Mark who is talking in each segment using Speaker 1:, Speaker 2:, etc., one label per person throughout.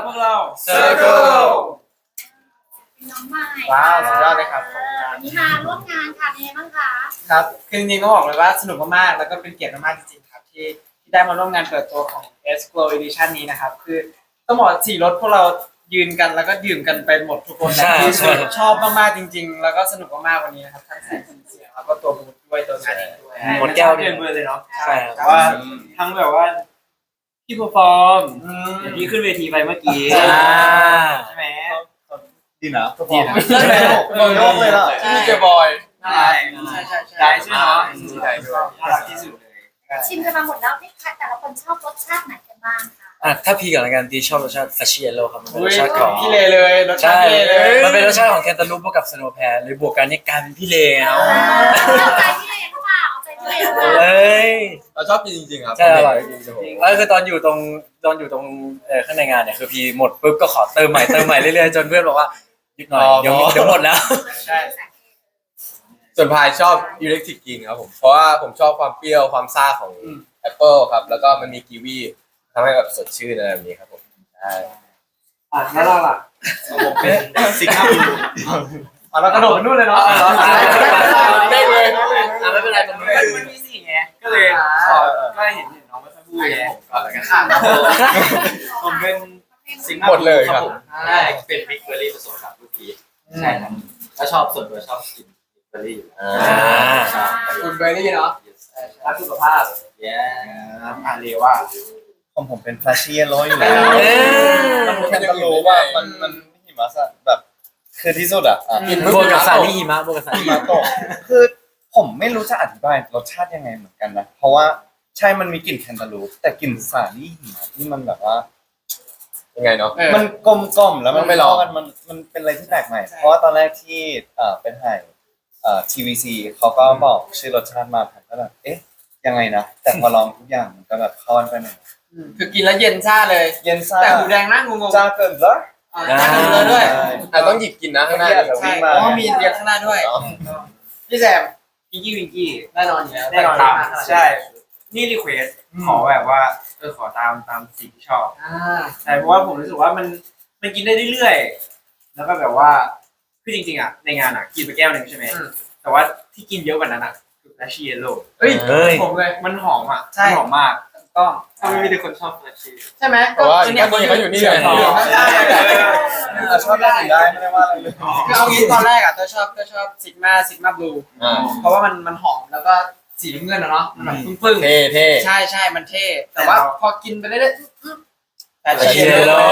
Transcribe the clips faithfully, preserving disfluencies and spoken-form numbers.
Speaker 1: พวกเรา
Speaker 2: Circle
Speaker 3: น้องใหม่
Speaker 1: ว้าวสุดยอดเลยครับ
Speaker 3: วันนี้มาร่วมงานค่ะเป็นไงบ้างคะ
Speaker 1: ครับคือจริงๆต้องบอกเลยว่าสนุกมากๆแล้วก็เป็นเกียรติมากๆจริงๆครับที่ที่ได้มาร่วมงานเปิดตัวของ S Glow Edition นี้นะครับคือต้องบอกสี่รถพวกเรายืนกันแล้วก็ดื่มกันไปหมดทุกคน
Speaker 2: ใช่
Speaker 1: คือ
Speaker 2: ใช่
Speaker 1: ชอบมากๆจริง ๆ แล้วก็สนุกมากๆวันนี้นะครับทั้งแสงสีเสียงแล้วก็ตัวบูธด้วยตัวงานเองด้วย
Speaker 2: หมดแก้ว
Speaker 1: เดินมือเลยเนาะ
Speaker 2: ใช่
Speaker 1: แต่ว่าทั้งแบบว่าพี่เพอร์ฟอร์ม
Speaker 4: เดี๋ยวพี่ขึ้นเวทีไปเมื่อกี้
Speaker 2: อ่า
Speaker 1: ใช่ไหม
Speaker 5: ดีนะ
Speaker 1: ดีนะ
Speaker 5: ใช่ไหมโยกเลยล่ะ
Speaker 1: ที่เจอบอยใช่ใช่ใช่ใช่
Speaker 4: ได้ใช่ไหมเนาะ
Speaker 1: ได้ด้วยน่ารักที่สุดเลย
Speaker 3: ชิมกันมาหมดแล้วนี่ค่ะแต่ละคนชอบรสชาติไหนกันบ้างคะ
Speaker 2: อ่ะถ้าพี่ก่อนละกันพี่ชอบรสชาติซาชิเอโร่ครับมันเป็นรสชาติของ
Speaker 1: พี่เลเลยรสชา
Speaker 2: ใช่
Speaker 1: ติพี่เลเลย
Speaker 2: มันเป็นรสชาติของแคนตาลูปบวกกับสโนว์แพร์เลยบวกกันเนี่ยกลายเป็นพี่เลเอา
Speaker 3: เอาใจพี่เลนหรือเปล่าเอาใจพี่เลนหรือเปล่า
Speaker 2: เอ้ย
Speaker 5: เราชอบกินจริงๆครับ
Speaker 2: ใช่อร่อยจริงๆแล้วคือตอนอยู่ตรงตอนอยู่ตรงเอ่อข้างในงานเนี่ยคือพี่หมดปุ๊บก็ขอเติมใหม่เติมใหม่เรื่อยๆจนเพื่อนบอกว่าหยุดหน่อยเดี๋ยวเดี๋ยวหมดแล้ว
Speaker 1: ใช่
Speaker 5: ส่วนพายชอบอิเล็กทริกกินครับผมเพราะว่าผมชอบความเปรี้ยวความซ่าของแอปเปิลครับแล้วก็มันมีกีวีทำให้แบบสดชื่นอะไรแบบนี้ครับผมใช่
Speaker 1: อ่ะแล้วเราล่ะ
Speaker 5: ผมเป็นซิกเนเจอร์
Speaker 1: อ่ะเรากระโดดไปนู่นเลยเนาะ
Speaker 5: ได้เลย
Speaker 2: อ่ะไม่เป็นไรตรงนี้
Speaker 4: มันมีสี่ไงก็เลยขอก็เห็นเห็นน้องไม่ค่อยพูดไง
Speaker 5: ก่อนแล้วกัน
Speaker 4: ผมเป็นสิงค
Speaker 5: หมดเลยครับ
Speaker 4: ผมใช่เป็นบิ๊กเบอร์รี่ผสมกับลูกพีชใช่ครับแล้วชอบส่วนตัวชอบกินบิ๊กเบอร์รี่อยู่แล้ว
Speaker 5: อ่า
Speaker 4: ใช่
Speaker 1: คุณเบอร์รี่เนาะ
Speaker 4: รักสุขภาพเย้อ่านเรียว่า
Speaker 5: ของผมเป็นฟลาชี่ร้อยอยู่แล้ว
Speaker 2: เอ้ย
Speaker 5: มันแค่จะรู้ว่ามันมันหิมะแบบคือที่สุดอ่ะอ่ะ
Speaker 2: กินบวกกับสาลี่หิมะบวกกับสาลี่
Speaker 5: หิมะตกคือผมไม่รู้จะอธิบายรสชาติยังไงเหมือนกันนะเพราะว่าใช่มันมีกลิ่นแคนตาลูปแต่กลิ่นสาลี่หิมะที่มันแบบว่ายังไงเนาะมันกลมกล่อมแล้วมันไม่ลองกันมันมันเป็นอะไรที่แปลกใหม่เพราะว่าตอนแรกที่เอ่อเป็นไห่เอ่อ ที วี ซี เขาก็บอกชื่อรสชาติมาผมก็แบบเอ๊ะยังไงนะแต่พอลองทุกอย่างมันก็แบบเข้ากันไปหมด
Speaker 1: คือกินแล้วเย็นซ่าเลย
Speaker 5: เย็นซ่า
Speaker 1: แต่หูแดงนั่งงงๆ
Speaker 5: จ้าเกินเหรอ
Speaker 1: อ่ะนั่งงงๆด้วย
Speaker 5: อ่ะต้องหยิบกินนะข้างหน้า
Speaker 1: ใช่เพราะว่ามีเรียงข้างหน้าด้วยพี่แซม
Speaker 4: พิงกี้วิงกี้
Speaker 1: แน่นอนอยู่แล้ว
Speaker 4: แน่นอนตามใช่ นี่รีเควสขอแบบว่าเออขอตามตามสิ่งที่ชอบ
Speaker 1: อ่า
Speaker 4: ใช่เพราะว่าผมรู้สึกว่ามันมันกินได้เรื่อยๆแล้วก็แบบว่าคือจริงๆอ่ะในงานอ่ะกินไปแก้วหนึ่งใช่ไหมแต่ว่าที่กินเยอะกว่านั้นอ่ะคือแฟชชี่เยลโล่
Speaker 1: เฮ้ย
Speaker 2: เฮ้ย
Speaker 1: ผมเลย
Speaker 4: มันหอมอ่ะ
Speaker 1: ใช่
Speaker 4: มันหอมมาก
Speaker 1: ก็
Speaker 4: ถ้าไม่มีแต่คนชอบแฟชชี่
Speaker 1: ใช่ไหม
Speaker 5: แต่ว่า
Speaker 1: เนี่ย
Speaker 5: ก็นี่เขาอยู่นี่เลย
Speaker 1: ใช่
Speaker 5: อ่ะชอบได้ถึงได้ไม่ได้ว่าอะไรเลย
Speaker 1: คือเอางี้ตอนแรกอ่ะก็ชอบก็ชอบซิกมาซิกมาบลู
Speaker 5: อ่า
Speaker 1: เพราะว่ามันมันหอมแล้วก็สีน้ำเงินอะเนาะมันแบบปึ้ง
Speaker 5: เท่เท่
Speaker 1: ๆใช่ใช่มันเท่แต่ว่าพอกินไปเรื่อยๆแต่
Speaker 2: ซาชิเอโร่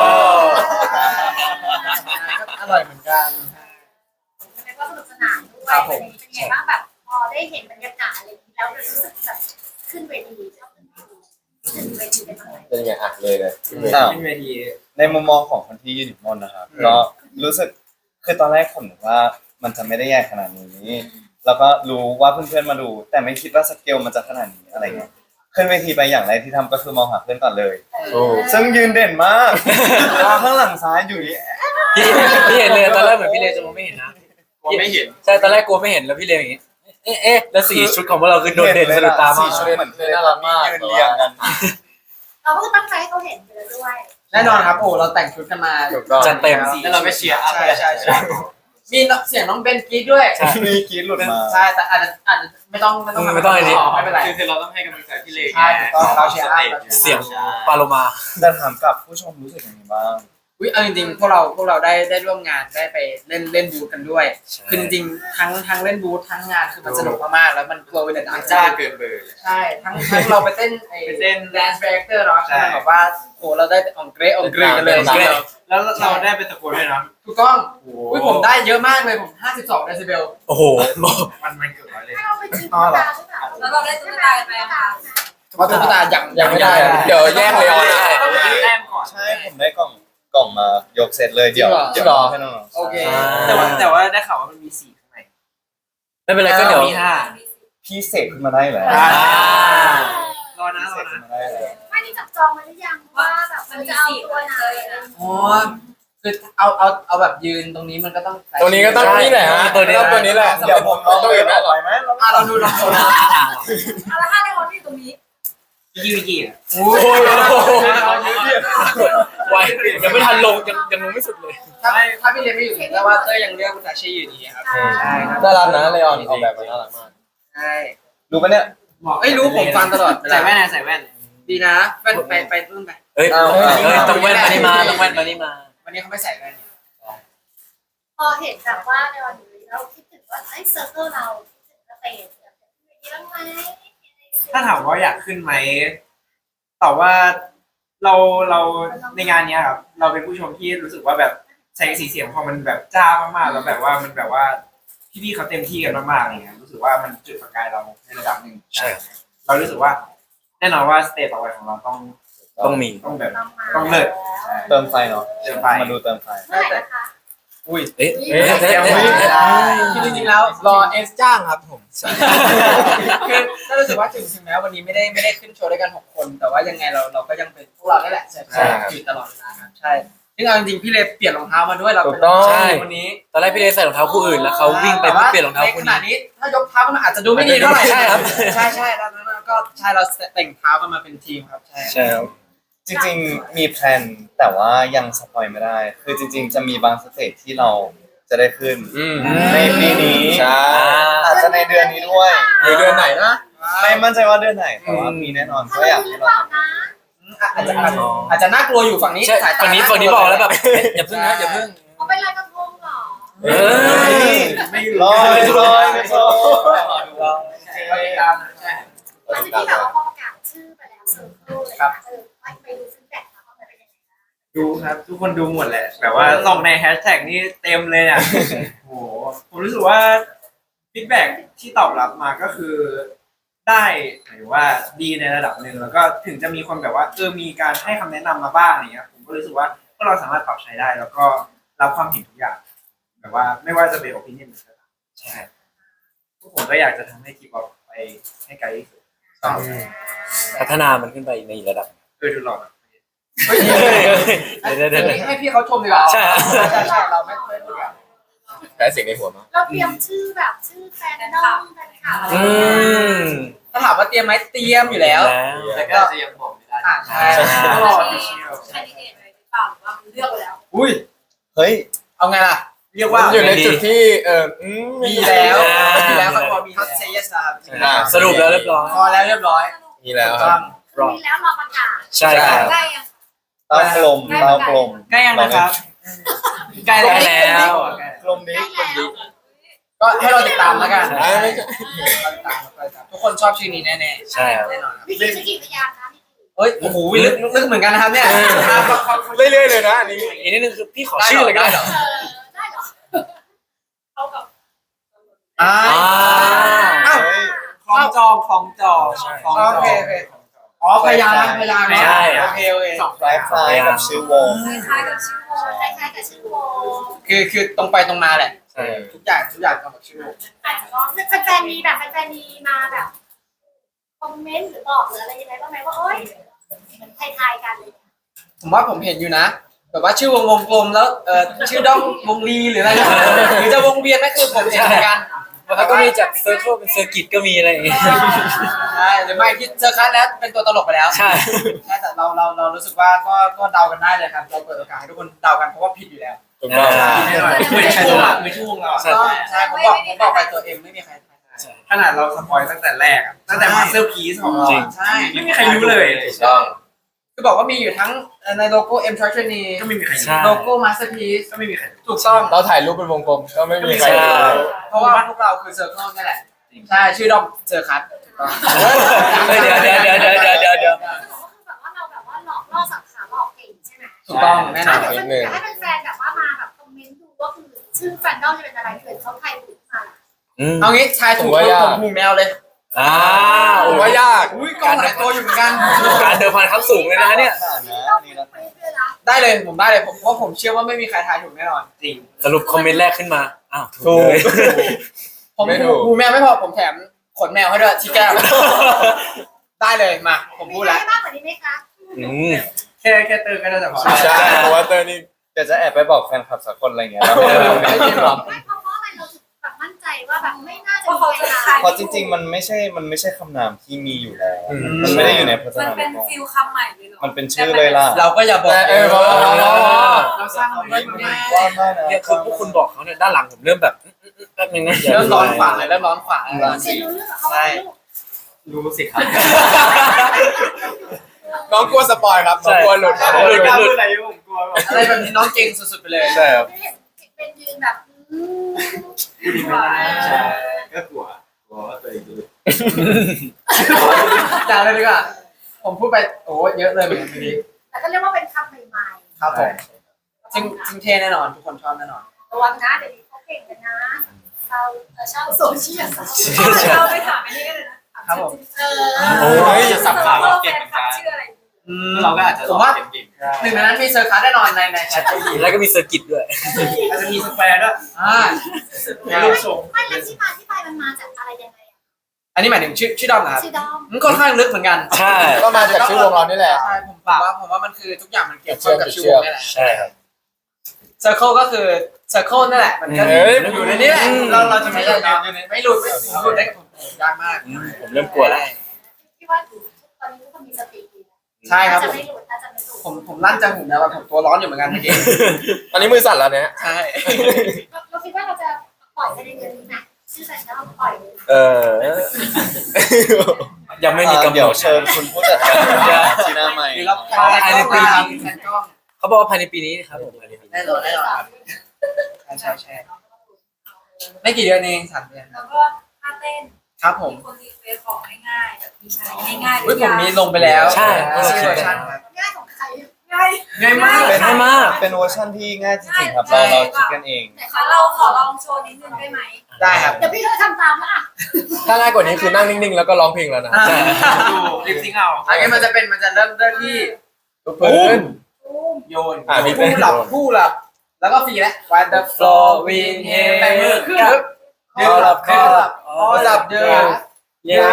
Speaker 1: อร่อยเหมือนกัน
Speaker 3: แล้วก็สนุกสนานด้วยเป็นไงบ้างแบบพอได้เห็นบรรยากาศอะไรอย่างนี้แล้วรู้สึกแบบขึ้นเวทีชอบขึ้นเวทีขึ้นเวทีเป็นยังไง
Speaker 5: เป็นไงอ่ะเลยเลย
Speaker 4: ขึ้นเวที
Speaker 5: ในมุมมองของคนที่ยืนอยู่บนนะครับก็รู้สึกคือตอนแรกผมนึกว่ามันจะไม่ได้ใหญ่ขนาดนี้แล้วก็รู้ว่าเพื่อนๆมาดู แต่ไม่คิดว่าสเกลมันจะขนาดนี้อะไรเงี้ยขึ้นเวทีไปอย่างแรกที่ทำก็คือมองหาเพื่อนก่อนเลย
Speaker 2: โอ้
Speaker 5: ซึ่งยืนเด่นมากข้างหลังซ้ายอยู่นี่
Speaker 2: พี่พี่เห็นเลยตอนแรกเหมือนพี่เลจะมองไม่เห็นนะ
Speaker 4: ผมไม่เห็น
Speaker 2: ใช่ตอนแรกกลัวไม่เห็นแล้วพี่เลอย่างงี้ เอ๊ะเอ๊ะแล้วสีชุดของพวกเราคือโดดเด่นสะดุดตามาก
Speaker 5: สี่ชุดเหมือนน่ารักมากยืนเรียงกัน
Speaker 3: เราก็ตั้งใจให้เขาเห็นไปเลยด้วย
Speaker 1: แน่นอนครับโอ้เราแต่งชุดกันมา
Speaker 5: ถูกต้อง
Speaker 2: จัดเต็ม
Speaker 4: แล้วเราก็เชียร์อัพ
Speaker 1: ใช่ใช่ใช่มีเสียงน้องเบนกรีดด้วย
Speaker 5: มีกรีดหลุดมา
Speaker 1: ใช่แต่อาจจะอาจจะไม่ต้องไม่ต้อง
Speaker 2: ไม่ต้องอันนี้
Speaker 1: ไม่เป็นไร
Speaker 4: คือเราต้องให้กำลังใจพี่เล็ก
Speaker 1: ใช่ถูกต้องเราเชียร์อัพ
Speaker 2: เสียงปาโลมา
Speaker 5: แต่ถามกลับผู้ชมรู้สึกยังไงบ้าง
Speaker 1: อุ้ยเอาจริงๆพวกเราพวกเราได้ได้ร่วมงานได้ไปเล่นเล่นบูธกันด้วย
Speaker 2: ใช่
Speaker 1: คือจริงๆทั้งทั้งเล่นบูธทั้งงานคือมันสนุกมากๆแล้วมันกลัวเป็นดัง
Speaker 4: จ้า
Speaker 1: จ้า
Speaker 4: เกินเบอร์
Speaker 1: ใช่ทั้งทั้งเราไปเต้นไอ้
Speaker 4: ไปเต้น
Speaker 1: แดนซ์แบรกเตอร์เนาะ
Speaker 4: ใช่
Speaker 1: ใช่แบบว่าโอ้เราได้อ่องเกรอองเกรกันเลย
Speaker 2: อ่องเกร
Speaker 4: แล้วเราได้ไปตะโกนด้วยนะ
Speaker 1: ถูกต้องอุ้ยผมได้เยอะมากเลยผมห้าสิบสองเดซิเบล
Speaker 2: โอ้โห
Speaker 4: มันมันเกือบร้อยเลย
Speaker 3: ให้เราไปชิมตุ๊กตาหรือเปล่า
Speaker 6: แล้วเราได้ตุ๊กตากันไหมคะ
Speaker 1: เพราะตุ๊กตายัง
Speaker 5: ยังไม่ได้อะเดี๋ยวแย่งเลยออน
Speaker 4: ต้องมีแต้มก่อน
Speaker 5: ใช่ผมได้กล่องกล่องมายกเสร็จเลยเดี๋ยวเดี๋ยวให้น้องๆ
Speaker 1: โอเค
Speaker 4: แต่ว่าแต่ว่าได้ข่าวว่ามันมีสี่ข้างใน
Speaker 2: ไม่เป็นไรก็เดี๋ยว
Speaker 4: มีห้า
Speaker 5: พี่เสกขึ้นมาได้เหรอ
Speaker 4: อ่า รอ
Speaker 5: พี่
Speaker 4: นะร
Speaker 5: เส
Speaker 4: อก
Speaker 5: ขึ้
Speaker 4: นะ
Speaker 5: นมาได้เหรอ
Speaker 3: ไม่ได้จับจองมาหรือยังว่าแบบมันจะเอาตัวไหน
Speaker 1: อ๋อคือเอาเอาเอาแบบยืนตรงนี้มันก็ต้อง
Speaker 5: ตัวนี้ก็ต้องนี่แหละฮะ
Speaker 2: ตัวนี้
Speaker 5: ต้องตัวนี้แหละเดี๋ยวผมเอาตัวอื่นมาต่อยไหม
Speaker 1: อ่ะเราดูเราดูนะ
Speaker 6: เอาละห้าในวันที่ตรงนี้
Speaker 4: พี่วิกกี้อ่ะ
Speaker 1: โอ้ย
Speaker 5: เ
Speaker 2: ไวยังไม่ทันลงยังยังลงไม่สุดเลย
Speaker 1: ถ้าถ้าพี่เรียนไม่อยู่แต่ว่าเต้ยยังเลือกมุตาชิอยู่ดีครับใช่ครับ
Speaker 5: น่ารักนะเลออนออกแบบมาน่ารักมาก
Speaker 1: ใช่
Speaker 5: รู้ปะเนี่ย
Speaker 1: เอ้ยรู้ผมฟังตลอดเว
Speaker 4: ใส่
Speaker 1: ลา
Speaker 4: แว่นนะใส่แว่น
Speaker 1: ดีนะแว่นไปไปรุ่นไป
Speaker 2: เอ้ย
Speaker 5: เอา
Speaker 2: เอ้ย
Speaker 5: เอา
Speaker 2: ต้องแว่นมานี่มาต้องแว่นมานี่มา
Speaker 1: วันนี้เขาไม่ใส่แว่น
Speaker 3: พอเห็นแบบว่าในวันนี้เราคิดถึงว่าไอ้เซอร์เคิลเราคิดถึงสเตจแบบนี้บ้างไหม
Speaker 4: ถ้าถามว่าอยากขึ้นไหมตอบว่าเราเราในงานเนี้ยครับเราเป็นผู้ชมที่รู้สึกว่าแบบแสงสีเสียงพอมันแบบจ้ามากๆแล้วแบบว่ามันแบบว่าพี่ๆเขาเต็มที่กันมากๆอะไรเงี้ยรู้สึกว่ามันจุดประกายเราในระดับหนึ่ง
Speaker 2: ใช่
Speaker 4: เรารู้สึกว่า แน่นอนว่าสเตจต่อไปของเราต้อง
Speaker 2: ต้องมี
Speaker 4: ต้องแบบ
Speaker 3: ต้องมา
Speaker 4: ต้องเลิศ
Speaker 5: เติมไฟเนาะ
Speaker 4: เติมไฟ
Speaker 5: มาดูเติมไฟ
Speaker 3: เมื่อไหร่นะคะ
Speaker 1: อุ้ย
Speaker 2: เอ๊ะ
Speaker 4: เอ๊ะ
Speaker 2: เอ๊ะเอ๊ะ
Speaker 4: เอ๊ะ
Speaker 2: เอ๊ะ
Speaker 1: คือจริงๆแล้ว
Speaker 7: รอเอสจ้างครับผม
Speaker 1: คือก็รู้สึกว่าถึงถึงแม้วันนี้ไม่ได้ไม่ได้ขึ้นโชว์ด้วยกันหกคน แต่ว่ายังไงเราเราก็ยังเป็นพวกเราได้แหละใช่ใช่อยู่ตลอดเวลาครับใช่ซึ่งเอาจริงๆพี่เลเปลี่ยนรองเท้ามาด้วยเรา
Speaker 5: ถู
Speaker 1: เป็น
Speaker 5: กต้อง
Speaker 2: ใช่
Speaker 1: วันนี้
Speaker 2: ตอนแรกพี่เลใส่รองเท้าคู่อื่นแล้วเขาวิ่งไปเพื่อเปลี่ยนรองเท้าคู่
Speaker 1: ในขณะ
Speaker 2: นี้
Speaker 1: นี้ถ้ายกเท้าก็มันอาจจะดูไม่ดีเท่าไหร่
Speaker 2: ใช่ครับ
Speaker 1: ใช่ใช่แล้วแล้วก็ใช่เราแต่งเท้ากันมาเป็นทีมครับใช่
Speaker 2: ใช่ครับ
Speaker 5: จริงๆมีแพลนแต่ว่ายังสปอยไม่ได้ คือจริง ๆ จะมีบางสเตจที่เราจะได้ขึ้น
Speaker 7: อืม
Speaker 5: ในปีนี้
Speaker 7: ใช่
Speaker 5: อาจจะในเดือนนี้ด้วย
Speaker 7: หรือเดือนไหนนะ
Speaker 5: ไม่มั่นใจว่าเดือนไหนแต่ว่ามีแน่นอน
Speaker 3: ถ้า
Speaker 5: ก็
Speaker 3: เรา
Speaker 5: อยาก
Speaker 3: ดีห
Speaker 5: ให้
Speaker 3: รือเป
Speaker 5: เรา
Speaker 3: ล่านะ
Speaker 1: อาจจะอาจจะอาจจะน่ากลัวอยู่ฝั่งนี้
Speaker 2: ใช่
Speaker 1: สายตา
Speaker 2: ฝั่งนี้ฝั่งนี้บอกแล้วแบบเอ๊ะอย่าเพิ่งนะอย่าเพิ่ง
Speaker 3: เอาไปลอยกระทงเหรอ
Speaker 2: เอ้ย
Speaker 4: ไม่รู้
Speaker 5: ลอยลอยลอย
Speaker 4: เราติดตามนะใช่
Speaker 3: หลังจากที่แบบว่าพอประกาศชื่อไปแล้วเซอร์เคิลเลยนะเออไปดูฟีดแบ็กมาว่ามันเป็นยังไงบ้าง
Speaker 4: ดูครับ ทุกคนดูหมดแหละแบบว่าส่องในแฮชแท็กนี่เต็มเลยอ่ะ โอ้โหผมรู้สึกว่าฟีดแบ็กที่ตอบรับมาก็คือ ได้หมายถึงว่าดีในระดับหนึ่งแล้วก็ถึงจะมีคนแบบว่าเออมีการให้คำแนะนำมาบ้างอะไรเงี้ยผมก็รู้สึกว่าพวกเราสามารถปรับใช้ได้ แล้วก็รับความเห็นทุกอย่างแบบว่าไม่ว่าจะเป็น opinion หรืออะไรใช่พวกผมก็อยากจะทำให้ทีป๊อปไปให้ไกลที่สุด
Speaker 2: พัฒนามันขึ้นไปในอีกระดับ
Speaker 4: เออดูหล่อนะ
Speaker 1: เฮ้ย
Speaker 2: เดี๋ยวเดี๋ยวเดี๋ยว
Speaker 1: ให้พี่เขาชมดีกว่า
Speaker 2: ใช่
Speaker 1: ใช่ใช่เราไม่ไม่พูดกัน
Speaker 7: แพ้เสียงในหัวมาก
Speaker 3: เราเตรียมชื่อแบบชื่อแฟนน้องแฟนคลับอะไร
Speaker 2: อื
Speaker 3: อย่างเงี้ย
Speaker 2: ม
Speaker 1: ถ้าถามว่าเตรียมไหมเตรียมอยู่แล้ว
Speaker 4: แต่ก็จะยังบอกไม่ได้
Speaker 1: อ่าใช่
Speaker 4: ต้องรอที่เชียว
Speaker 6: ใช่ดีเอ็นเลยหรือเปล่าหรือว่ามันเลือกไปแล้ว
Speaker 1: อุ้ย
Speaker 5: เฮ้ย
Speaker 1: เอาไงล่ะ
Speaker 4: เรียกว่า
Speaker 7: มันอยู่ในจุดที่เอออืม
Speaker 1: มีแล้ว
Speaker 2: อ่า
Speaker 1: มีแล้วเขาบอกมีเขาเซย์สครับ
Speaker 7: อ่า
Speaker 2: สรุปแล้วเรียบร้อย
Speaker 1: พอแล้วเรียบร้อย
Speaker 7: มีแล้ว
Speaker 1: ถูก
Speaker 7: ค
Speaker 1: ต้
Speaker 7: รั
Speaker 1: อบ ง
Speaker 3: มีแล้วรอประกาศ
Speaker 2: ใช่ครับ
Speaker 6: ได้ยัง
Speaker 5: เต้ากลมเต้ากลม
Speaker 4: ใกล้ยังนะครับใกล้
Speaker 2: ใกล้แล้ว
Speaker 5: กลมนี้
Speaker 3: ได้แล้ว
Speaker 1: ก็ให้เราติดตามแล้วกัน
Speaker 7: อ่าไม่ใช่
Speaker 1: เราติดตามเราติดตามทุกคนชอบชื่อนี้แน่
Speaker 2: ใช่ครับ
Speaker 1: ๆแน่นอนครับ
Speaker 3: วิธีสกิพยานนะนี่คือ
Speaker 1: เฮ้ยโอ้โหลึกลึกเหมือนกันนะครับเนี่ย
Speaker 7: เรื่อยๆเลยนะอันนี้
Speaker 2: อีกนิดนึงคือพี่ขอชื่อเลยก็ได้
Speaker 1: ได้เหรอ
Speaker 3: เออได้เหรอเขากับ
Speaker 1: อ่า
Speaker 2: อ่า
Speaker 1: อ้าว
Speaker 4: คล้องจองคล้องจอง
Speaker 2: ใช่
Speaker 4: คล้องจอง
Speaker 1: โอเคโอเค อ๋อพยางค์พยางค์
Speaker 2: ใช่
Speaker 1: โอเคโอเค
Speaker 5: คล้ายๆกับชื่อวง
Speaker 3: คล้ายๆกับชื่อวงคล้ายๆกับชื่อวง
Speaker 1: คือคือตรงไปตรงมาแหละ
Speaker 2: ใช่
Speaker 1: ทุกอย่างทุกอย่างตรงกับชื่อวง
Speaker 3: แต่ก็แฟนๆมีแบบแฟนๆมีมาแบบคอมเมนต์หรือบอกหรืออะไรยังไงบ้างไหมว่าเอ้ยเหมือนทายๆกันเลย
Speaker 1: ผมว่าผมเห็นอยู่นะแบบว่าชื่อวงวงกลมแล้วเอ่อชื่อด้อมวงลีหรืออะไรนะหรือจะวงเวียนนั่นคือผมเห็นเหมือนกัน
Speaker 2: แล้วก็มีจากเซอร์เคิลเป็นเซอร์กิตก็มีอะไรอย่างเงี้ย
Speaker 1: ใช่หรือไม่ที่เจอคัสแล้วเป็นตัวตลกไปแล้ว
Speaker 2: ใช่
Speaker 1: ใช่แต่เราเราเรารู้สึกว่าก็ก็เดากันได้เลยครับเราเปิดโอกาสให้ทุกคนเดากันเพราะว่าผิดอยู่แล้ว
Speaker 7: ถูกต้อง
Speaker 2: อ่า
Speaker 4: แน่นอนเหมือนช่วงอะเหมือนช่วงเราอะ
Speaker 2: ใช่
Speaker 1: ก็ใช่ผมบอกผมบอกไปตัวเองไม่มีใครทายได้
Speaker 4: ขนาดเราสปอยตั้งแต่แรกอะตั้งแต่มาสเตอร์พีซของเรา
Speaker 2: จริง
Speaker 1: ใช่
Speaker 4: ไม่มีใครรู้เลย
Speaker 7: ถูกต้อง
Speaker 1: คือบอกว่ามีอยู่ทั้งในโลโก้ M Tragedy
Speaker 4: ก็ไม่มีใครรู้
Speaker 2: ใช่
Speaker 1: โลโก้ Masterpiece
Speaker 4: ก็ไม่มีใครรู้
Speaker 1: ถูกต้อง
Speaker 7: เราถ่ายรูปเป็นวงกลมก็ไม่มีใคร
Speaker 2: ใช่
Speaker 7: รู้
Speaker 1: เพราะว่าพวกเราคือ Circle นี่แหละ ใช่ ชื่อดอมเจอคัสถูกต้อง
Speaker 2: เฮ้ยเดี๋ยวเดี๋ยวเดี๋ยวเดี๋ยวเดี๋ยวเดี๋ยวเดี๋ยว
Speaker 3: คือแบบว่าเราแบบว่าหลอกล่อสับขาหลอกเก่งใช่ไหม
Speaker 1: ถูกต้องแน่น
Speaker 3: ถ้า
Speaker 1: อน
Speaker 3: เดี๋ยวอยากให้แฟนๆแบบว่ามาแบบคอมเมนต์ดูว่าคือชื่อแฟนดอมจะเป็นอะไรเกิดเขาไทยถูกมา
Speaker 2: อืม
Speaker 1: เอางี้ชายถูกผมหูแมวเลย
Speaker 2: อ่า
Speaker 7: ผมว่ายาก
Speaker 1: อุ้ยกล้องหลายตัวอยู่เหมือนกัน
Speaker 2: การเดินพันขั้นสูงเลยนะเนี่ย
Speaker 3: นี่เราเป็นเพื่อนนะ
Speaker 1: ได้เลยผมได้เลยผมเพราะผมเชื่อว่าไม่มีใครทายถูกแน่นอน
Speaker 4: จริง
Speaker 2: สรุปคอมเมนต์แรกขึ้นมา อ้าว
Speaker 7: ถู
Speaker 2: ถู
Speaker 7: ก
Speaker 2: กเลย
Speaker 1: ผม
Speaker 7: ไม่ถู
Speaker 1: หู
Speaker 7: ก
Speaker 1: หูแมวไม่พอผมแถมขนแมวให้ด้วยที่แก้มได้เลยมาผม
Speaker 3: มี
Speaker 1: พูด
Speaker 3: อะไร
Speaker 1: แล้ว
Speaker 3: มากกว่านี้ไหมคะ
Speaker 2: อืม
Speaker 4: แค่แค่เติมก็น่าจะพอ
Speaker 7: ใช่เพราะว่าเตอร์นี่
Speaker 5: เดี๋ยวจะแอบไปบอกแฟนคลับสักคนอะไรเงี้ยแล้ว
Speaker 1: ไม่จริงหรอ
Speaker 3: ไม่เพราะว่าอะไรเราถึงแบบมั่นใจว่าแบบไม่น่าจะมีใครทาย
Speaker 5: เพราะจริง ๆ มันไม่ใช่มันไม่ใช่คำนามที่มีอยู่แล้ว
Speaker 7: อืม
Speaker 5: มันไม่ได้อยู่ในพจ
Speaker 6: มัน
Speaker 5: นานุ
Speaker 6: เป็น
Speaker 5: กรม
Speaker 6: ฟิลคำใหม่เลยเหรอ
Speaker 5: มันเป็นชื่อเลยล่ะ
Speaker 1: เราก็อย่าบอก
Speaker 7: เออบอกบอกบอก
Speaker 1: เราสร้างมันไว้มันไม่
Speaker 5: ว่าไม่นะ
Speaker 2: เนี่ยคือพวกคุณบอกเขาเนี่ยด้านหลังผมเริ่มแบบแป๊บนึงนะ
Speaker 1: เริ่มร้อนขวาเลยเริ่มร้อนขวา
Speaker 3: เรียนรู้เรื่องของเขาไหมลูก
Speaker 4: รู้สิครับ
Speaker 7: น้องกลัวสปอยครับน้องกลัวหลุด
Speaker 4: ถ้าผมไม่กล้าพูดอะไรผมกลัวแบบ
Speaker 1: อะไรแบบนี้น้องเก่งสุดๆไปเลย
Speaker 7: ใช่ครับ
Speaker 3: เป็นยืนแบบอืม
Speaker 4: ใช่ก็กลัวกลัวว่าตัวเองจะหลุด
Speaker 1: จางเลยดีกว่าผมพูดไปโอ้เยอะเลยเหมือนกันทีนี้
Speaker 3: แต่ก็เรียกว่าเป็นคำใหม่
Speaker 1: ครับผม
Speaker 3: ๆ
Speaker 1: จริงจริงเท่แน่นอนทุกคนชอบแน่นอน
Speaker 3: ระวังนะเดี๋ยวนี้เขาเก่งกันนะชาวชาวโซเชียล
Speaker 6: เราไปถามอันนี้กันเลยนะครับ
Speaker 1: ผม
Speaker 3: เอ
Speaker 7: โอ้
Speaker 3: อย
Speaker 4: จะสับขาเราเก่งเหมือนกัน
Speaker 6: ชื่ออะไร
Speaker 4: เราก็อาจจะ
Speaker 1: ผมว่า
Speaker 4: เก่ง
Speaker 1: หนึ่งในนั้นมีเซอร์คัสแน่นอนในในแชทจี
Speaker 2: แล้วก็มีเซอร์กิตด้วย
Speaker 4: ๆอาจจะมีสแควร์ด้วย
Speaker 1: อ่า
Speaker 4: มีรูปทรง
Speaker 3: ไม่แล้วที่มาที่ไปมันมาจากอะไรยังไงอะ
Speaker 1: อันนี้หมายถึงชื่อชื่อดอมนะครับ
Speaker 3: ชื่อดอม
Speaker 1: มันค่อนข้างลึกเหมือนกัน
Speaker 2: ใช่
Speaker 7: ก็มาจากชื่อวงเรานี่แหละ
Speaker 1: ใช่ผมว่าผมว่ามันคือทุกอย่างมันเกี่ยวข้องกับชื่อวงนี่แหละ
Speaker 2: ใช่ครับ
Speaker 1: เซอร์เคิลก็คือเซอร์เคิลนั่นแหละมันก็
Speaker 7: เฮ้ย
Speaker 1: อยู่ในนี้แหละ
Speaker 2: อืม
Speaker 1: เราเราจะไม่หลุดอยู่ในไม่หลุดไม่ผมหลุดได้ผมยากมาก
Speaker 2: อืมผมเริ่มกลัวแล้ว
Speaker 3: ที่ว่าตอนนี้ทุกคนมีสติดีนะ
Speaker 1: ใช่ครับ
Speaker 3: น่าจะไม่หลุดน่าจะไม่หลุด
Speaker 1: ผมผมลั่นจากหูนะว่าผมตัวร้อนอยู่เหมือนกันเมื่อกี้
Speaker 7: ตอนนี้มือสั่นแล้วเนี่ย
Speaker 1: ใช่
Speaker 3: เราคิดว่าเราจะปล่อยไปในเดือนนี้นะชื่อแฟนดอมปล่อยเลย
Speaker 7: เออ
Speaker 2: ยังไม่มีกำห
Speaker 5: เดี๋
Speaker 2: น
Speaker 5: ยว
Speaker 2: ด
Speaker 5: เชิญคุณผู้จัดการที่หน้าใหม่
Speaker 1: หรือเรา
Speaker 2: ภายในปีนี้
Speaker 1: แทนกล้อง
Speaker 2: เขาบอกว่าภายในปีนี้ครับผมภายในปีนี้
Speaker 1: แน่นอนแน่นอนครับใช่ใช่ใช่ไม่กี่เดือนเองสามเดือน
Speaker 6: แล้วก็ท่าเต้น
Speaker 1: ครับผม
Speaker 6: มีคนรีเควสของง่ายๆแบบมีใช้ง่ายๆ
Speaker 1: อุ้ยผมมีลงไปแล้ว
Speaker 2: ใช่
Speaker 1: ชื่อเวอร์ชันครับ
Speaker 3: ง่ายของใคร
Speaker 6: ง่าย
Speaker 1: ง่ายมาก
Speaker 2: เป็นง่ายมาก
Speaker 5: เป็นเวอร์ชันที่ง่ายจริงๆครับ เราเราคิดกันเอง
Speaker 3: แต่
Speaker 6: ขอ
Speaker 3: เขา
Speaker 6: เราขอลองโชว์นิดนึงได้ไหม
Speaker 1: ได้ครับ
Speaker 3: เดี๋ยวพี่เขาทำตามละ
Speaker 7: ถ้าง่ายกว่านี้คือนั่งนิ่งๆ แล้วก็ร้องเพลงแล้วนะ
Speaker 1: ใช่
Speaker 4: ดูริปซิงเอา
Speaker 1: อันนี้มันจะเป็นมันจะเริ่มเริ่มที่
Speaker 7: ทุกพื้น
Speaker 1: โยน
Speaker 7: อ่ะมี
Speaker 1: ผู้หลับผู้หลับ แล้วก็ฟรีแล้ว When the floor wind hail แปมือขึ้นปึ๊บ
Speaker 2: คอหลับคอหลับ
Speaker 1: คอหลับเดิน
Speaker 2: เย้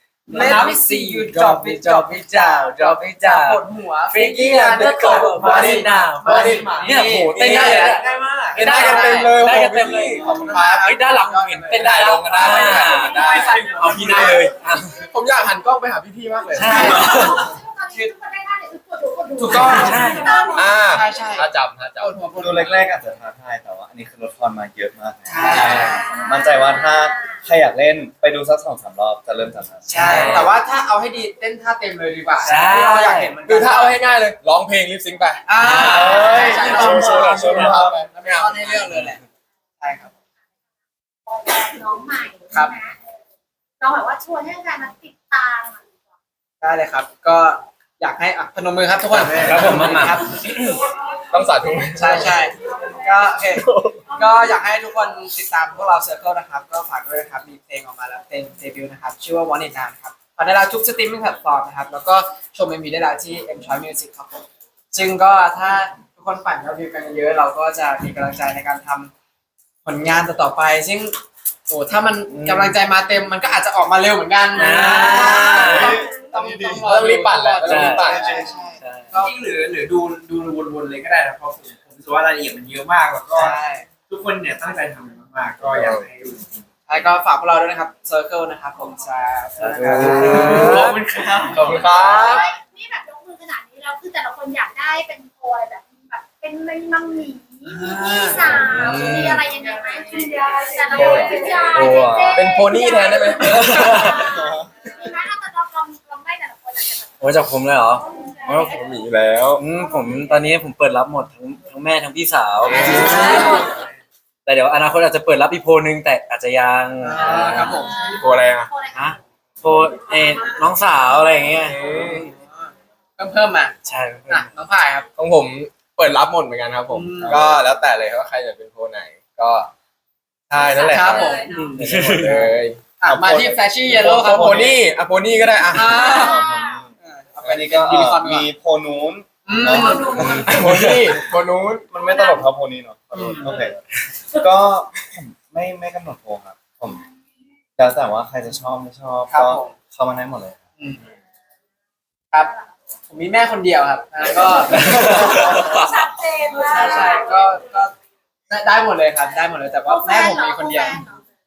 Speaker 2: Let me see you drop it drop it down drop it
Speaker 1: ป
Speaker 2: down
Speaker 1: วดหัว
Speaker 2: Freaking on the cover body now body เนี่ยโหเต้นได้เลยนะ
Speaker 1: ง่ายมาก
Speaker 7: ได้กันเต็มเลย
Speaker 2: ได้กันเต็มเลย
Speaker 1: ขอบคุณครับ
Speaker 2: เฮ้ยด้านหลังผมเห็นเต้นได้ลงกันได้
Speaker 7: ได้
Speaker 2: เอาพี่ได้เลยอ่ะ
Speaker 7: ผมอยากหันกล้องไปหาพี่ๆ มากเลย
Speaker 2: ใช่
Speaker 3: คือทุกคนได้หน้าเดี๋ยวทุกคนดูคนดู
Speaker 1: ถูกต้อง
Speaker 2: ใช่
Speaker 7: อ่า
Speaker 1: ใช่ใช่
Speaker 7: ถ้าจับถ้าจับ
Speaker 1: ปวดหัวปวด
Speaker 5: ดู
Speaker 1: หัว
Speaker 5: แรกๆอาจจะท้าทายแต่ว่าอันนี้คือลดทอนมาเยอะมาก
Speaker 1: ใช่
Speaker 5: มั่นใจว่าถ้าใครอยากเล่นไปดูสักสองสามรอบจะเริ่มจากนั้น
Speaker 1: ใช่ แต่ว่าถ้าเอาให้ดีเต้นท่าเต็มเลยดีกว่า
Speaker 2: ใช่
Speaker 1: เราอยากเห็นมัน
Speaker 7: คือถ้าเอาให้ง่ายเลย ร้องเพลงลิปซิงค์ไป
Speaker 1: อ่า
Speaker 5: เอ้ย
Speaker 1: ใช่
Speaker 7: โชว์โชว์หน่อยโชว์หน่อย
Speaker 1: ไม่เอาในเรื่องเลยแหละใช่ครับ
Speaker 3: น้องใหม่
Speaker 1: ครับ
Speaker 3: นะน้องแบบว่าชวนให้แฟนมาติดตามอ่ะ
Speaker 1: ได้เลยครับ ก็อยากให้อ่ะพนมมือครับทุกคน
Speaker 2: ครับผมมามา
Speaker 1: ครับ
Speaker 7: ต้องสาธุ
Speaker 1: ใช่ใช่ก็โอเคก็อยากให้ทุกคนติดตามพวกเราเซอร์เคิลนะครับ ก็ฝากด้วยนะครับ มีเพลงออกมาแล้วเพลงเดบิวต์นะครับ ชื่อว่า Want It Now นะครับฟังได้แล้วทุกสตรีมมิ่งแพลตฟอร์มนะครับ แล้วก็ชมเอ็มวีได้แล้วที่ M Choice Music ครับผมซึ่งก็ถ้าทุกคนฝันยอดวิวกันเยอะเราก็จะมีกำลังใจในการทำผลงานต่อๆไป ซึ่งโอ้ถ้ามันกำลังใจมาเต็มมันก็อาจจะออกมาเร็วเหมือนกันนะ
Speaker 2: อ่า
Speaker 1: ต้องต้อง
Speaker 7: ต้องรีบปั่นแหละ
Speaker 1: ต้อง
Speaker 7: ต้องรีบปั่น
Speaker 1: ใช่ใช่
Speaker 2: ใช่
Speaker 1: ก็
Speaker 4: จริงหรือหรือดูดูวนๆเลยก็ได้นะเพราะผมผมรู้สึกว่ารายละเอียดมันเยอะมากแล้วก็
Speaker 1: ใช่
Speaker 4: ทุกคนเนี่ยตั้งใจทำมันมากๆก็อยากให้ดูจริง
Speaker 1: แล้วก็ฝากพวกเราด้วยนะครับ Circle นะครับผมจะ
Speaker 4: ๆขอบคุณครับ
Speaker 7: ขอบคุณครับ
Speaker 3: เฮ้ยนี่แบบยกมือขนาดนี้แล้วคือแต่ละคนอยากได้เป็นโพยแบบแบบเป็นมังหมีมีพี่สาวมีอะไรยังไงไหมคุณยายแต่ละคนคุณยายเจ๊ๆ
Speaker 7: เป็นโพนี่แทนได้ไหม
Speaker 3: มีไหมถ้าเราลองลองได้แต่ละคนอาจจะแบบ
Speaker 2: โอ้จากผมเลยเหรอ
Speaker 3: เออ
Speaker 7: ผมมีแล้ว
Speaker 2: อืมผมตอนนี้ผมเปิดรับหมดทั้งทั้งแม่ทั้งพี่สาว แต่เดี๋ยวอนาคตอาจจะเปิดรับอีกโพลนึงแต่อาจจะยัง
Speaker 1: อ่าครับผม
Speaker 7: โพอะไรอ่ะ
Speaker 3: โพยอะไร
Speaker 2: ฮะโพลเออน้องสาวอะไรอย่างเงี้ย
Speaker 1: เพิ่มเพิ่มมา
Speaker 2: ใช่
Speaker 1: อ่ะน้องพายครับ
Speaker 7: ของผมเปิดรับหมดเหมือนกันครับผม
Speaker 1: อืม
Speaker 7: ก็แล้วแต่เลยว่าใครจะเป็นโพไหน ก็ใช่นั่นแหละ
Speaker 1: ครับผม
Speaker 7: เดี๋ยวหมดเลย
Speaker 1: อ่ะมาที่ Flashy Yellow ครับ
Speaker 7: โพนี่อ่ะโพนี่ก็ได้อ่ะ
Speaker 1: อ่า
Speaker 5: เอาไปนี่ก็เอ่อมีโพนู้น
Speaker 1: อืม
Speaker 7: โพนี่โพนู้น
Speaker 5: มันไม่ตลกเท่าโพนี้เนาะขอโทษโอเคก็ผมไม่ไม่กำหนดโพครับ ผมแล้วแต่ว่าใครจะชอบไม่ชอบ
Speaker 1: ครับ
Speaker 5: ก็
Speaker 1: ผม
Speaker 5: เข้ามาได้หมดเลย
Speaker 1: อืมครับ ผมมีแม่คนเดียวครับแล้วก็
Speaker 6: ชัดเจนมาก
Speaker 1: ใช่ใช่ก็ก็ได้ได้หมดเลยครับ ได้หมดเลยแต่ว่าแม่ผมมีคนเดียว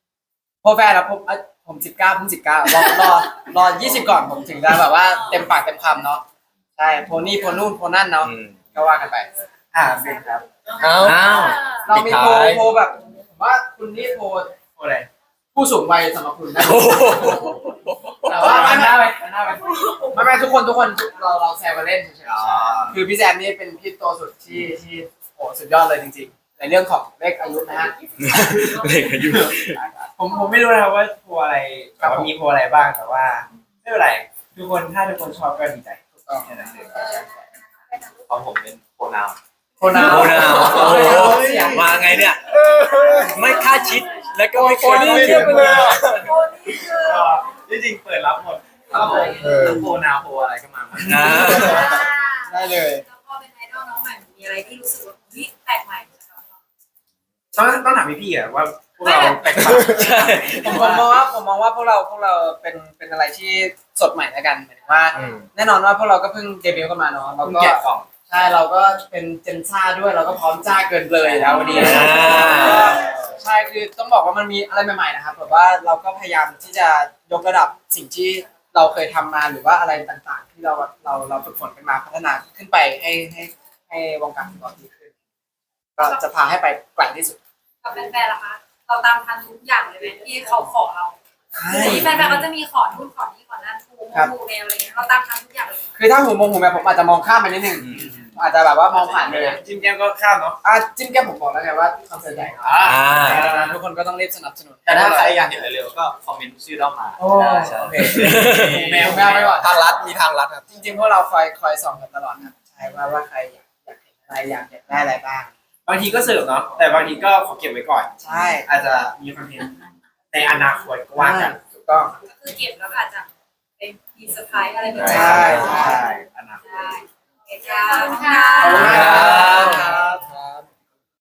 Speaker 1: พวกแฟนแล้วผมอ่ะผมสิบเก้าเพิ่งสิบเก้ารอรอรอยี่สิบก่อนผมถึงจะแบบว่าเต็มปากเต็มคำเนาะใช่โพนี่โพนู่นโพนั่นเนาะ
Speaker 7: อืม
Speaker 1: ก็ว่ากันไปอ่าเป็นครับ
Speaker 7: เอ้า
Speaker 2: อ้าว
Speaker 1: เรามีโพล
Speaker 7: ปิดท้าย
Speaker 1: โพลแบบผมว่าคุณนี่โพล
Speaker 4: โอ้อะไร
Speaker 1: ผู้สูงวัยสำหรับคุณนะ
Speaker 2: โอ้โห
Speaker 1: แต่ว่าไม่ไม่ไม่ไม่ไม่ทุกคนทุกคนเราเราแซวกันเล่นเฉยๆคือพี่แซมนี่เป็นพี่โตสุดที่ที่โอ้สุดยอดเลยจริงๆ ในเรื่องของเลขอายุนะฮะ
Speaker 2: เด็กอายุ
Speaker 4: ผมผมไม่รู้นะครับว่าโพลอะไรแต่ว่ามีโพลอะไรบ้างแต่ว่าไม่เป็นไรทุกคนถ้าทุกคนชอบก็ดีใจแค่นั้นเอง
Speaker 7: ของผมเป็นโปรนาว
Speaker 1: โคนา
Speaker 2: โอ้นาวโอ้โหมาไงเนี่ย ไม่คาดคิดแล้วก็ไม่เคยคาดคิด
Speaker 6: โคนี่คือ
Speaker 4: ก็ที่จริงเปิดรับหมดครับผมโพลนาวโพลอะไรก็มาหมด
Speaker 2: อ่า
Speaker 1: ได้เลย
Speaker 6: แล้วพอเป็นไอดอลน้องใหม่มีอะไรที่รู้สึกว่าเฮ้ยแปลกใหม่สำหรับเรา
Speaker 4: ต้องต้องถามพี่ๆอะว่าพวกเราแปลกต่าง
Speaker 2: ใช่
Speaker 1: ผมผมมองว่าผมมองว่าพวกเราพวกเราเป็นเป็นอะไรที่สดใหม่แล้วกันหมายถึงว่า
Speaker 7: อืม
Speaker 1: แน่นอนว่าพวกเราก็เพิ่งเดบิวต์กันมาเนาะเรา
Speaker 4: เพิ่ง
Speaker 1: ก็
Speaker 4: แกะกล่อง
Speaker 1: ใช่เราก็เป็นเจนซ่าด้วยเราก็พร้อมจ้าเกินเลยแล้ววันนี้
Speaker 2: อ่า
Speaker 1: ใช่คือต้องบอกว่ามันมีอะไรใหม่ๆนะครับแบบว่าเราก็พยายามที่จะยกระดับสิ่งที่เราเคยทำมาหรือว่าอะไรต่างๆ ที่เราเราเราฝึกฝนกันมาพัฒนาขึ้นไปให้ให้ให้วงการฟุตบอลดีขึ้นก็จะพาให้ไปไกลที่สุด
Speaker 6: กับแฟนๆล่ะคะเราตามทันทุกอย่างเลยไหมที่เขาขอเราที่แฟนๆเขาจะมีขอนู่นขอนี่ขอนั่นทูมูแนวอะไรเงี้ยเราตามทันทุกอย่างเลย
Speaker 1: คือถ้าหูมงหูแม่ผมอาจจะมองข้ามไปนิดนึงอาจจะแบบว่ามองผ่านเลย
Speaker 4: จิ้มแก้มก็ข้ามเนาะ
Speaker 1: อ่ะจิ้มแก้มผมบอกแล้วไงว่าคอนเสิร์ตใหญ่ครับ
Speaker 2: อ่า
Speaker 1: ทุกคนก็ต้องรีบสนับสนุน
Speaker 7: แต่ถ้าใครอยากเห็นเร็วๆก็คอมเมนต์ชื่อเรามา
Speaker 1: โอ้
Speaker 2: ใช่
Speaker 1: โอเคแมวแมวไปก่อน
Speaker 7: ทางรัฐมีทางรัฐครับ
Speaker 1: จริงๆพวกเราคอยคอยส่องกันตลอดครับใช่ว่าว่าใครอยากอยากเห็นอะไรอยากอยากได้อะไรบ้าง
Speaker 4: บางทีก็เสิร์ฟเนาะแต่บางทีก็ขอเก็บไว้ก่อน
Speaker 1: ใช่
Speaker 4: อาจจะมีคอนเทนต์ในอนาคตก็ว่ากัน
Speaker 1: ถูกต้อง
Speaker 6: ก็คือเก็บแล้วก็อาจจะเป็นมีเซอร์ไพรส์อะไรแบบนี้
Speaker 1: ใช่
Speaker 4: ใช่อนาคต
Speaker 6: ได้โอเคค่ะขอบคุณค่ะ
Speaker 1: ขอบคุณมาก